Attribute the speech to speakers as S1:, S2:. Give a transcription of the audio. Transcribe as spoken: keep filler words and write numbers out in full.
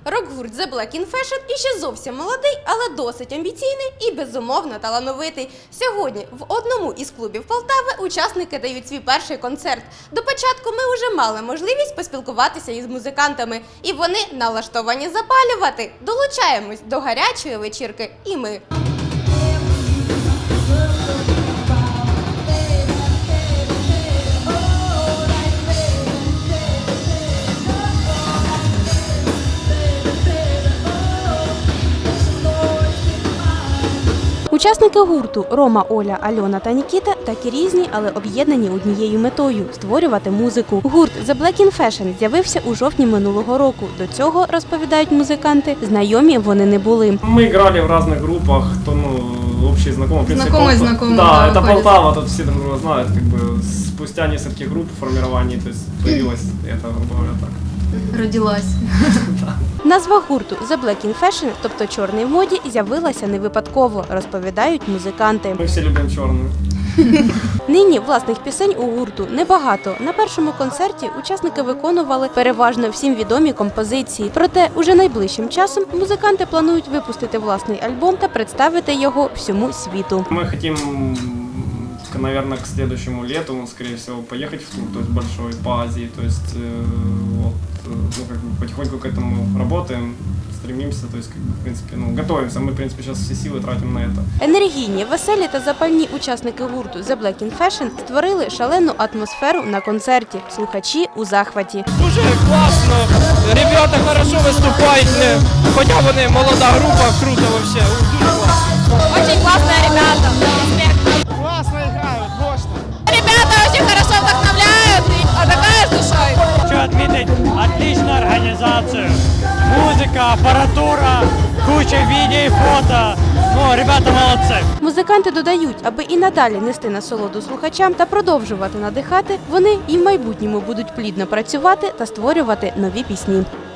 S1: Рок-гурт The Black in Fashion іще зовсім молодий, але досить амбіційний і безумовно талановитий. Сьогодні в одному із клубів Полтави учасники дають свій перший концерт. До початку ми вже мали можливість поспілкуватися із музикантами, і вони налаштовані запалювати. Долучаємось до гарячої вечірки і ми. Учасники гурту Рома, Оля, Альона та Нікіта такі різні, але об'єднані однією метою – створювати музику. Гурт The Black in Fashion з'явився у жовтні минулого року. До цього, розповідають музиканти, знайомі вони не були.
S2: Ми грали в різних групах, то ну, общий знайомий.
S3: Знакомый, знакомый.
S2: Да, да, это Полтава, тут все друг друга знают, как бы спустя несколько групп формирований, то есть появилась это, грубо говоря, так.
S3: Родилась.
S1: Назва гурту The Black in Fashion, тобто «Чорний в моді», з'явилася не випадково, розповідають музиканти.
S2: Ми всі любимо чорну.
S1: Нині власних пісень у гурту небагато. На першому концерті учасники виконували переважно всім відомі композиції. Проте уже найближчим часом музиканти планують випустити власний альбом та представити його всьому світу.
S2: Ми хочемо, наверное, к следующему лету, скорее всего, поехать в тур, то есть большой, по Азии, то есть э, вот, ну, как бы потихоньку к этому работаем, стремимся, то есть, как бы, в принципе, ну, готовимся. Мы, в принципе, сейчас все силы тратим на это.
S1: Енергійні, веселі та запальні учасники гурту The Black in Fashion створили шалену атмосферу на концерті. Слухачі у захваті.
S4: Дуже класно, ребята хорошо виступають, хоча вони молода група, круто вообще, дуже класно.
S5: Очень классные ребята.
S4: Класно грають, мощно.
S5: Ребята очень хорошо вдохновляют, а такая с душой.
S6: Хочу отметить отличную организацию. Музыка, аппаратура, куча видео и фото. Ну, ребята молодцы.
S1: Музиканти додають, аби і надалі нести насолоду слухачам та продовжувати надихати, вони і в майбутньому будуть плідно працювати та створювати нові пісні.